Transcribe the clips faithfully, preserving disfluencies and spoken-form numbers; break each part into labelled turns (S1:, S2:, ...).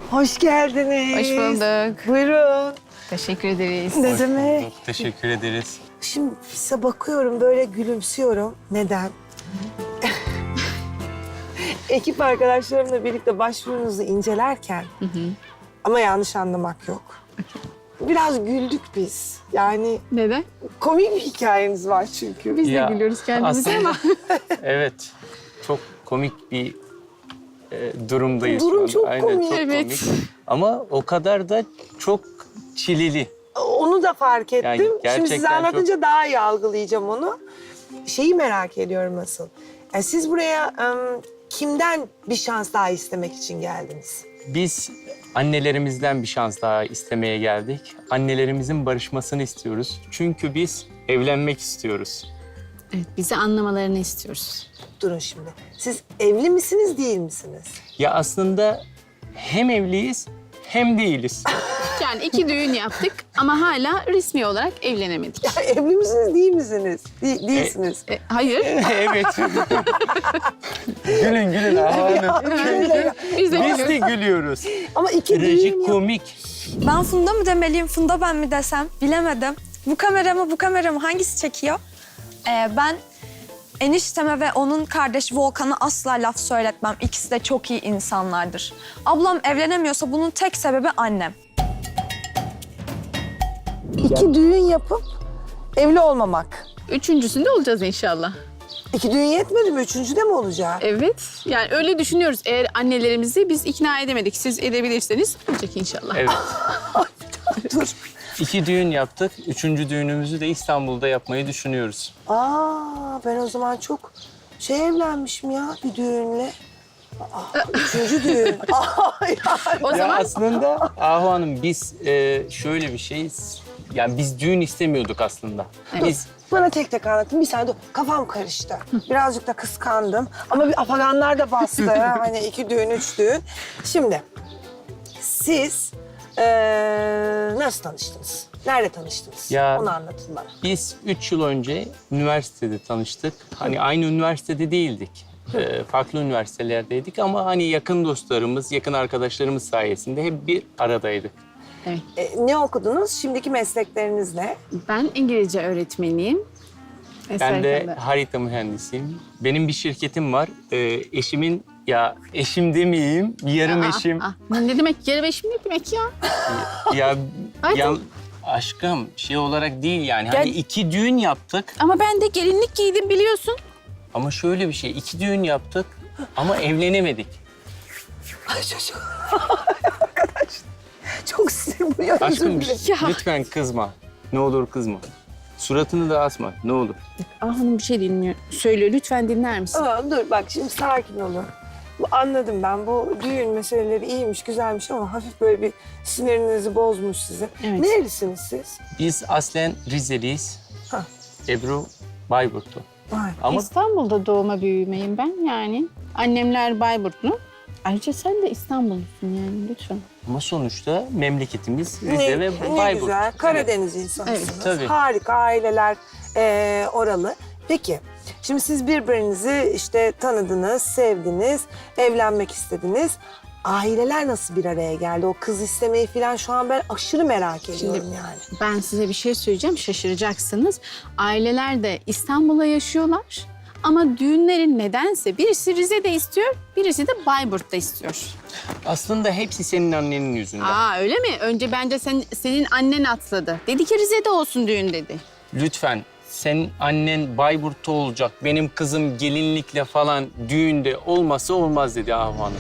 S1: Hoş geldiniz.
S2: Hoş bulduk.
S1: Buyurun.
S2: Teşekkür ederiz.
S1: Ne
S3: Hoş
S1: demek?
S3: bulduk, teşekkür ederiz.
S1: Şimdi size bakıyorum böyle gülümsüyorum. Neden? Ekip arkadaşlarımla birlikte başvurunuzu incelerken
S2: Hı hı.
S1: ama yanlış anlamak yok. Biraz güldük biz. Yani
S2: Neden?
S1: komik bir hikayeniz var çünkü.
S2: Biz
S3: Ya,
S2: de gülüyoruz kendimize
S3: aslında-
S2: ama.
S3: Evet, çok komik bir e, durumdayız
S1: Durum
S3: şu anda.
S1: çok
S3: Aynen,
S1: komik.
S3: çok
S2: Evet.
S3: komik. Ama o kadar da çok çileli.
S1: Onu da fark ettim.
S3: Yani
S1: Şimdi
S3: gerçekten
S1: size anlatınca daha iyi algılayacağım onu. Şeyi merak ediyorum asıl. Yani siz buraya ım, kimden bir şans daha istemek için geldiniz?
S3: Biz annelerimizden bir şans daha istemeye geldik. Annelerimizin barışmasını istiyoruz. Çünkü biz evlenmek istiyoruz.
S2: Evet, bizi anlamalarını istiyoruz.
S1: Durun şimdi. Siz evli misiniz, değil misiniz?
S3: Ya aslında hem evliyiz hem değiliz.
S2: Yani iki düğün yaptık ama hala resmi olarak evlenemedik.
S1: Ya evli misiniz, değil misiniz? De- değilsiniz.
S2: E, hayır.
S3: Evet. gülün gülün. Aman.
S2: Biz de
S3: Biz
S2: gülüyoruz.
S3: de gülüyoruz.
S1: Ama iki düğün yap-
S3: Trajikomik.
S4: Ben Funda mı demeliyim, Funda ben mi desem bilemedim. Bu kamera mı, bu kamera mı hangisi çekiyor? Ee, ben enişteme ve onun kardeşi Volkan'a asla laf söyletmem. İkisi de çok iyi insanlardır. Ablam evlenemiyorsa bunun tek sebebi annem.
S1: İki düğün yapıp evli olmamak.
S2: Üçüncüsünde olacağız inşallah.
S1: İki düğün yetmedi mi? Üçüncü de mi olacak?
S2: Evet. Yani öyle düşünüyoruz. Eğer annelerimizi biz ikna edemedik, siz edebilirseniz olacak inşallah.
S3: Evet.
S1: Dur.
S3: İki düğün yaptık. Üçüncü düğünümüzü de İstanbul'da yapmayı düşünüyoruz.
S1: Aa, ben o zaman çok şey evlenmişim ya bir düğünle. Aa, üçüncü düğün. Aa, yani.
S2: O
S3: Ya
S2: zaman
S3: aslında Ahu Hanım biz e, şöyle bir şeyiz. Yani biz düğün istemiyorduk aslında. Biz
S1: Bana tek tek anlatın. Bir saniye dur. Kafam karıştı. Birazcık da kıskandım. Ama bir afaganlar da bastı. Hani iki düğün, üç düğün. Şimdi siz eee, nasıl tanıştınız? Nerede tanıştınız?
S3: Ya-
S1: Onu anlatın bana.
S3: biz üç yıl önce üniversitede tanıştık. Hani aynı üniversitede değildik. E, farklı üniversitelerdeydik ama hani yakın dostlarımız, yakın arkadaşlarımız sayesinde hep bir aradaydık.
S2: evet.
S1: E, ne okudunuz? Şimdiki meslekleriniz ne?
S2: Ben İngilizce öğretmeniyim.
S3: Ben de
S2: Eserken'de.
S3: harita mühendisiyim. Benim bir şirketim var. E, eşimin, ya eşim demeyeyim, yarım
S2: Aa,
S3: eşim.
S2: aa. Ne demek yarım eşim ne demek ya?
S3: Ya,
S2: Ay,
S3: ya
S2: tamam.
S3: aşkım şey olarak değil yani. Hani
S2: Gel-
S3: iki düğün yaptık
S2: Ama ben de gelinlik giydim biliyorsun.
S3: ama şöyle bir şey. iki düğün yaptık ama evlenemedik.
S1: Ay çocuk. Arkadaş. Çok sinir buluyor. özür
S3: Aşkım
S1: dilerim.
S2: Ya.
S3: lütfen kızma. Ne olur kızma. Suratını da asma. Ne olur.
S2: Ah hanım bir şey dinliyor. Söyle lütfen dinler misin?
S1: Aa, dur bak şimdi sakin olun. Bu, anladım ben. Bu düğün meseleleri iyiymiş, güzelmiş ama hafif böyle bir sinirinizi bozmuş size.
S2: Evet.
S1: Nerelisiniz siz?
S3: Biz aslen Rizeliyiz.
S1: Ha.
S3: Ebru Bayburtlu.
S1: Vay.
S3: Ama
S2: İstanbul'da doğma büyümeyim ben yani. Annemler Bayburtlu. Ayrıca sen de İstanbullusun yani lütfen.
S3: ama sonuçta memleketimiz Rize
S1: Ne,
S3: ve
S1: ne
S3: Bayburt.
S1: güzel. Karadeniz insanısınız.
S2: Evet,
S3: tabii.
S1: Harika aileler eee, oralı. Peki şimdi siz birbirinizi işte tanıdınız, sevdiniz, evlenmek istediniz. Aileler nasıl bir araya geldi? O kız istemeyi falan şu an ben aşırı merak ediyorum yani.
S2: Ben size bir şey söyleyeceğim şaşıracaksınız. Aileler de İstanbul'da yaşıyorlar. Ama düğünlerin nedense birisi Rize'de istiyor, birisi de Bayburt'ta istiyor.
S3: Aslında hepsi senin annenin yüzünden.
S2: Aa öyle mi? Önce bence sen, senin annen atladı. Dedi ki Rize'de olsun düğün dedi.
S3: Lütfen senin annen Bayburt'ta olacak. Benim kızım gelinlikle falan düğünde olmasa olmaz dedi Ahu Hanım.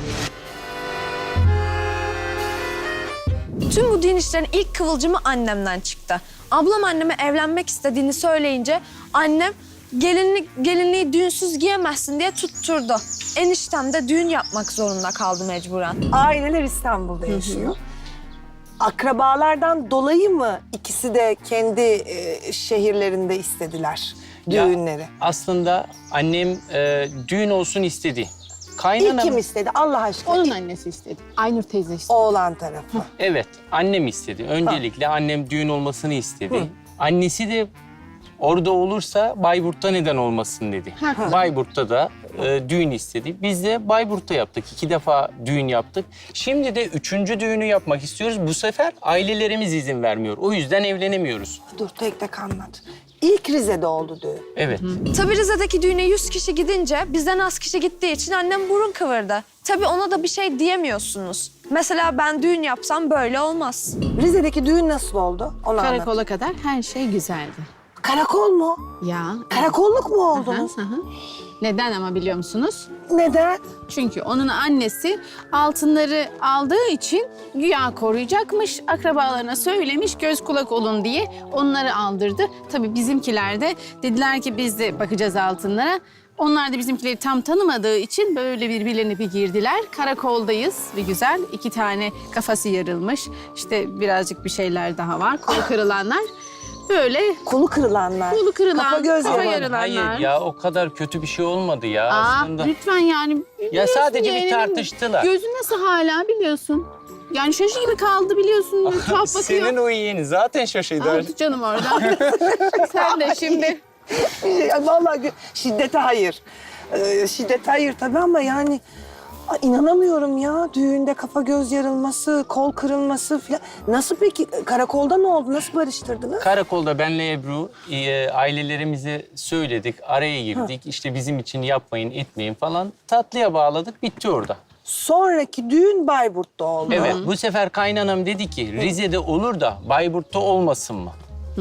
S4: Tüm bu düğün işlerinin ilk kıvılcımı annemden çıktı. Ablam anneme evlenmek istediğini söyleyince annem gelinlik, gelinliği düğünsüz giyemezsin diye tutturdu. Eniştem de düğün yapmak zorunda kaldı mecburen.
S1: Aileler İstanbul'da yaşıyor. Akrabalardan dolayı mı ikisi de kendi e, şehirlerinde istediler
S3: Ya,
S1: düğünleri?
S3: aslında annem e, düğün olsun istedi.
S1: İlk
S3: Kaynanam,
S1: kim istedi Allah aşkına?
S2: Onun
S1: İlk
S2: annesi istedi. Aynur teyze istedi.
S1: oğlan tarafı.
S3: evet annem istedi. Öncelikle annem düğün olmasını istedi.
S1: Hı.
S3: Annesi de orada olursa Bayburt'ta neden olmasın dedi.
S2: Haklı.
S3: Bayburt'ta da e, düğün istedi. Biz de Bayburt'ta yaptık. İki defa düğün yaptık. Şimdi de üçüncü düğünü yapmak istiyoruz. Bu sefer ailelerimiz izin vermiyor. O yüzden evlenemiyoruz.
S1: Dur tek tek anlat. İlk Rize'de oldu düğün.
S3: Evet.
S4: Tabii Rize'deki düğüne yüz kişi gidince bizden az kişi gittiği için annem burun kıvırdı. Tabii ona da bir şey diyemiyorsunuz. Mesela ben düğün yapsam böyle olmaz.
S1: Rize'deki düğün nasıl oldu? Onu anlat.
S2: Karakola kadar her şey güzeldi.
S1: Karakol mu?
S2: Ya.
S1: Karakolluk mu oldunuz?
S2: Hı hı. Neden ama biliyor musunuz?
S1: Neden?
S2: Çünkü onun annesi altınları aldığı için güya koruyacakmış. Akrabalarına söylemiş göz kulak olun diye onları aldırdı. Tabii bizimkiler de dediler ki biz de bakacağız altınlara. Onlar da bizimkileri tam tanımadığı için böyle birbirlerine bir girdiler. Karakoldayız bir güzel. İki tane kafası yarılmış. İşte birazcık bir şeyler daha var. Kolu kırılanlar. Böyle
S1: Kolu kırılanlar.
S2: kolu kırılan,
S1: Kafa göz
S2: kafa
S1: yaman.
S2: yarılanlar.
S3: Hayır ya o kadar kötü bir şey olmadı ya
S2: Aa,
S3: aslında.
S2: lütfen yani. biliyorsun
S3: sadece bir
S2: yeğenim,
S3: tartıştılar.
S2: Gözün nasıl hala biliyorsun. Yani şaşı gibi kaldı biliyorsun. Tuhaf bakıyor.
S3: Senin o yeğeni zaten şaşırdı.
S2: Aldı canım oradan. Sen de şimdi.
S1: Ya vallahi gö- şiddete hayır. Ee, şiddete hayır tabii ama yani Ay, inanamıyorum ya. Düğünde kafa göz yarılması, kol kırılması falan. Nasıl peki? Karakolda ne oldu? Nasıl barıştırdınız?
S3: Karakolda benle Ebru e, ailelerimize söyledik, araya girdik. İşte bizim için yapmayın, etmeyin falan. Tatlıya bağladık, bitti orada.
S1: Sonraki düğün Bayburt'ta oldu.
S3: Evet, bu sefer kaynanam dedi ki Rize'de olur da Bayburt'ta olmasın mı?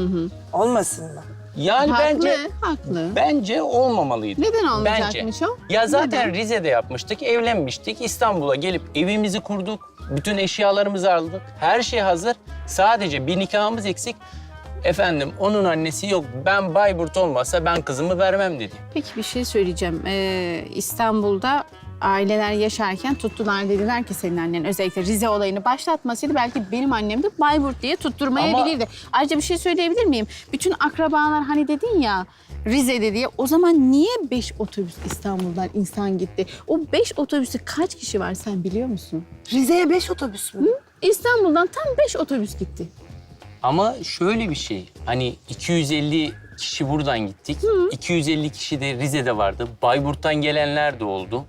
S1: Olmasın mı?
S3: Yani
S2: Haklı,
S3: bence
S2: haklı.
S3: bence olmamalıydı.
S2: Neden olmayacakmış
S3: bence.
S2: o?
S3: Ya zaten
S2: Neden?
S3: Rize'de yapmıştık, evlenmiştik. İstanbul'a gelip evimizi kurduk. Bütün eşyalarımızı aldık. Her şey hazır. Sadece bir nikahımız eksik. Efendim onun annesi yok. Ben Bayburt olmasa ben kızımı vermem dedi.
S2: Peki bir şey söyleyeceğim. Ee, İstanbul'da aileler yaşarken tuttular dediler ki senin annen özellikle Rize olayını başlatmasaydı belki benim annem de Bayburt diye tutturmayabilirdi. Ayrıca bir şey söyleyebilir miyim? Bütün akrabalar hani dedin ya Rize'de diye o zaman niye beş otobüs İstanbul'dan insan gitti? O beş otobüste kaç kişi var sen biliyor musun?
S1: Rize'ye beş otobüs mü?
S2: İstanbul'dan tam beş otobüs gitti.
S3: Ama şöyle bir şey. Hani iki yüz elli kişi buradan gittik. iki yüz elli kişi de Rize'de vardı. Bayburt'tan gelenler de oldu.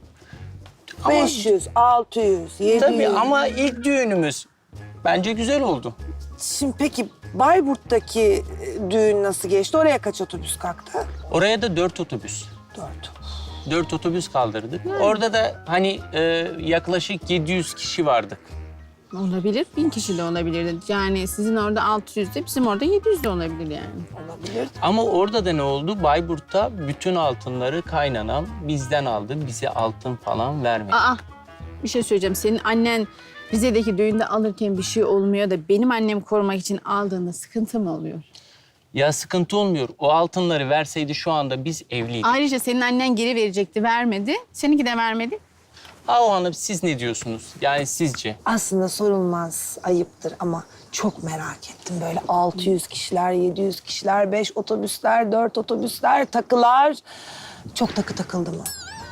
S3: Ama-
S1: beş yüz, altı yüz, yedi yüz.
S3: Tabii ama ilk düğünümüz bence güzel oldu.
S1: Şimdi peki Bayburt'taki e, düğün nasıl geçti? Oraya kaç otobüs kalktı?
S3: Oraya da dört otobüs.
S1: Dört.
S3: Dört otobüs kaldırdık. Orada da hani e, yaklaşık yedi yüz kişi vardık.
S2: Olabilir. Bin kişi de olabilirdi. Yani sizin orada altı yüzde bizim orada yedi yüz de olabilir yani.
S1: Olabilir.
S3: Ama orada da ne oldu? Bayburt'ta bütün altınları kaynanam bizden aldı. Bize altın falan vermedi.
S2: Aa, bir şey söyleyeceğim. Senin annen Rize'deki düğünde alırken bir şey olmuyor da benim annem korumak için aldığında sıkıntı mı oluyor?
S3: Ya sıkıntı olmuyor. O altınları verseydi şu anda biz evliydik.
S2: Ayrıca senin annen geri verecekti, vermedi. Seninki de vermedi.
S3: Ahu Hanım siz ne diyorsunuz? Yani sizce?
S1: Aslında sorulmaz, ayıptır ama çok merak ettim. Böyle altı yüz kişiler, yedi yüz kişiler, beş otobüsler, dört otobüsler, takılar. Çok takı takıldı mı?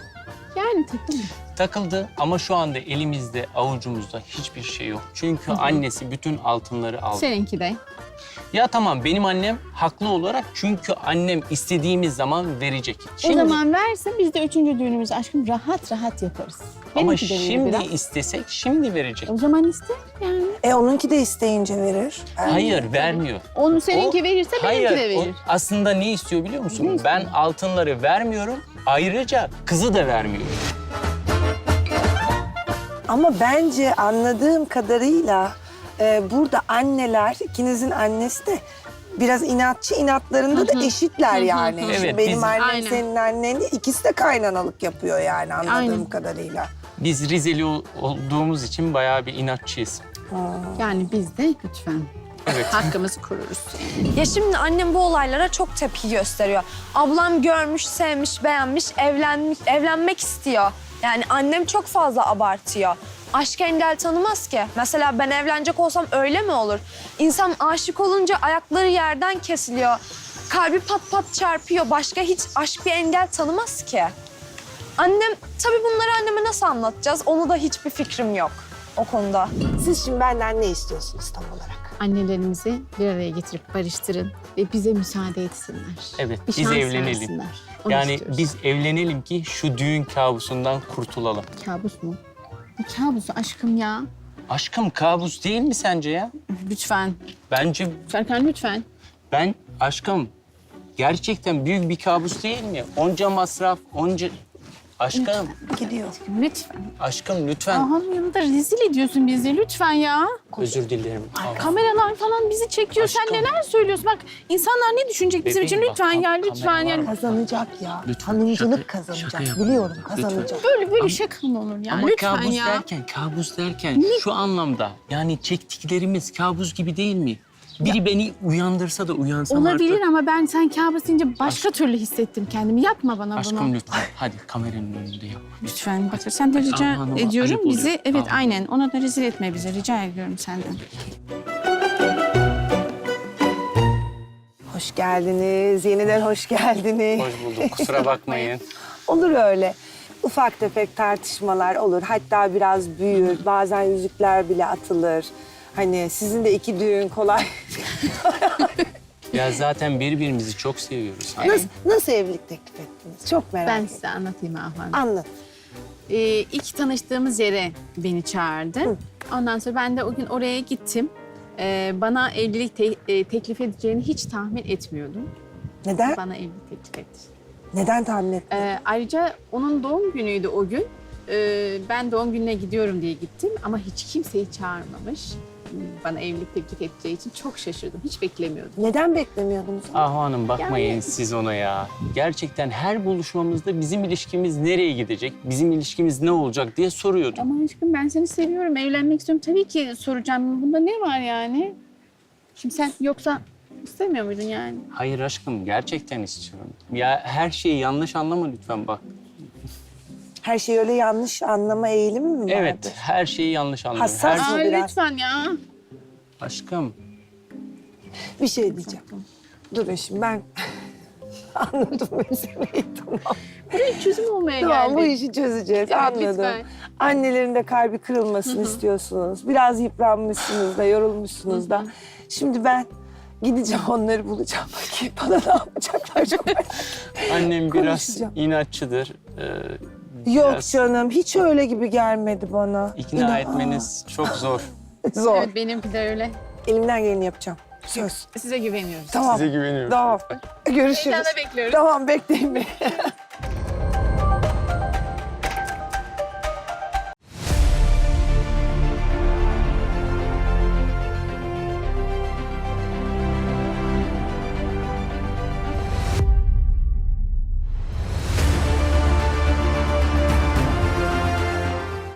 S2: Yani takılma.
S3: Takıldı ama şu anda elimizde, avucumuzda hiçbir şey yok. Çünkü annesi bütün altınları aldı.
S2: Seninki de.
S3: Ya tamam benim annem haklı olarak çünkü annem istediğimiz zaman verecek.
S2: O zaman versin biz de üçüncü düğünümüzü aşkım rahat rahat yaparız.
S3: ama
S2: Benimki de verir
S3: şimdi
S2: biraz.
S3: istesek şimdi verecek.
S2: O zaman iste yani.
S1: E onunki de isteyince verir.
S3: Hayır vermiyor.
S2: Onu seninki
S3: O-
S2: verirse benimki
S3: hayır,
S2: de verir.
S3: o aslında ne istiyor biliyor musun? Ben altınları vermiyorum. Ayrıca kızı da vermiyor.
S1: Ama bence anladığım kadarıyla e, burada anneler, ikinizin annesi de biraz inatçı, inatlarında da eşitler yani.
S2: hı.
S1: Şimdi
S3: Evet,
S1: benim
S3: biz-
S1: annem,
S2: Aynen.
S1: senin annen de ikisi de kaynanalık yapıyor yani anladığım
S2: Aynen.
S1: kadarıyla.
S3: Biz Rizeli ol- olduğumuz için bayağı bir inatçıyız.
S2: Yani biz de lütfen
S3: Evet.
S2: hakkımızı koruruz. Yani.
S4: Ya şimdi annem bu olaylara çok tepki gösteriyor. Ablam görmüş, sevmiş, beğenmiş, evlenmiş, evlenmek istiyor. Yani annem çok fazla abartıyor. Aşk engel tanımaz ki. Mesela ben evlenecek olsam öyle mi olur? İnsan aşık olunca ayakları yerden kesiliyor. Kalbi pat pat çarpıyor. Başka hiç aşk bir engel tanımaz ki. Annem, tabii bunları anneme nasıl anlatacağız? Onu da hiçbir fikrim yok o konuda.
S1: Siz şimdi benden ne istiyorsunuz tam olarak?
S2: Annelerimizi bir araya getirip barıştırın ve bize müsaade etsinler.
S3: Evet,
S2: Bir
S3: biz
S2: şans
S3: evlenelim.
S2: versinler. Onu
S3: Yani
S2: istiyoruz.
S3: biz evlenelim ki şu düğün kabusundan kurtulalım.
S2: Kabus mu? Ne kabusu aşkım ya?
S3: Aşkım kabus değil mi sence ya?
S2: Lütfen.
S3: Bence
S2: Serkan lütfen.
S3: ben aşkım gerçekten büyük bir kabus değil mi? Onca masraf, onca... Aşkım,
S1: Gidiyor.
S2: Lütfen.
S3: aşkım lütfen.
S2: Aham yanında rezil ediyorsun bizi lütfen ya.
S3: Özür dilerim. Tamam.
S2: Kameralar falan bizi çekiyor. Sen
S3: Aşkım.
S2: neler söylüyorsun? Bak insanlar ne düşünecek bizim
S3: Bebeğim,
S2: için?
S3: bak,
S2: Lütfen ya
S3: kam-
S2: lütfen
S3: kamera
S2: ya.
S3: var mı?
S1: Kazanacak ya.
S3: Lütfen,
S1: Hanımcılık
S3: şaka-
S1: kazanacak.
S3: şaka yap.
S1: Biliyorum
S3: Lütfen.
S1: kazanacak.
S2: Böyle böyle
S3: Ama-
S2: şaka mı olur ya?
S3: Ama
S2: lütfen
S3: kabus
S2: ya.
S3: derken, kabus derken şu anlamda yani çektiklerimiz kabus gibi değil mi? Biri beni uyandırsa da uyansam
S2: Olabilir
S3: artık.
S2: ama ben sen kabus deyince başka türlü hissettim kendimi. Yapma bana
S3: Aşkım
S2: bunu.
S3: lütfen hadi kameranın önünde yap.
S2: Lütfen bak sen de rica
S3: Aman, aman,
S2: ediyorum
S3: ayıp
S2: bizi.
S3: oluyor.
S2: Evet
S3: Aman.
S2: aynen ona da rezil etme bizi rica ediyorum senden.
S1: Hoş geldiniz. Yeniden hoş geldiniz.
S3: Hoş bulduk kusura bakmayın.
S1: Olur öyle. Ufak tefek tartışmalar olur. Hatta biraz büyür. Bazen yüzükler bile atılır. Hani sizin de iki düğün kolay.
S3: Ya zaten birbirimizi çok seviyoruz. Hani
S1: Nasıl, nasıl evlilik teklif ettiniz? Çok merak
S2: Ben
S1: ettim.
S2: size anlatayım Ahmet.
S1: Anlat.
S2: Ee, ilk tanıştığımız yere beni çağırdı. Ondan sonra ben de o gün oraya gittim. Ee, bana evlilik te- e, teklif edeceğini hiç tahmin etmiyordum.
S1: Neden?
S2: Bana evlilik teklif etti.
S1: Neden tahmin ettin?
S2: Ee, ayrıca onun doğum günüydü o gün. Ee, ben doğum gününe gidiyorum diye gittim ama hiç kimseyi çağırmamış. Bana evlilik teklif edeceği için çok şaşırdım. Hiç beklemiyordum.
S1: Neden beklemiyordunuz?
S3: Ahu Hanım bakmayın
S2: Yani-
S3: siz ona ya. Gerçekten her buluşmamızda bizim ilişkimiz nereye gidecek, bizim ilişkimiz ne olacak diye soruyordum.
S2: Ama aşkım ben seni seviyorum, evlenmek istiyorum. Tabii ki soracağım. Bunda ne var yani? Şimdi sen yoksa istemiyor muydun yani?
S3: Hayır aşkım gerçekten istiyorum. Ya her şeyi yanlış anlama lütfen bak.
S1: Her şey öyle yanlış anlama eğilimi mi vardı?
S3: Evet her şeyi yanlış anlıyorum.
S1: Hassas
S3: Her...
S1: mı?
S2: Aa,
S1: biraz.
S2: lütfen ya.
S3: Aşkım
S1: Bir şey diyeceğim. Durun şimdi ben anladım meseleyi tamam.
S2: Buraya çözüm olmaya
S1: Tamam bu
S2: geldik.
S1: işi çözeceğiz
S2: Evet,
S1: anladım.
S2: lütfen.
S1: Annelerin de kalbi kırılmasını istiyorsunuz. Biraz yıpranmışsınız da yorulmuşsunuz da. Şimdi ben gideceğim onları bulacağım. Bakayım bana ne yapacaklar çok merak
S3: annem biraz
S1: Konuşacağım.
S3: inatçıdır. Ee,
S1: Yok
S3: biraz
S1: canım hiç öyle gibi gelmedi bana.
S3: ikna
S1: İnan-
S3: etmeniz çok zor.
S1: Zor.
S2: Evet benimki de öyle.
S1: Elimden geleni yapacağım. Söz.
S2: Size güveniyoruz.
S1: Tamam.
S3: Size güveniyorum.
S1: Tamam. Görüşürüz.
S2: Heyecanla bekliyoruz.
S1: Tamam bekleyin beni.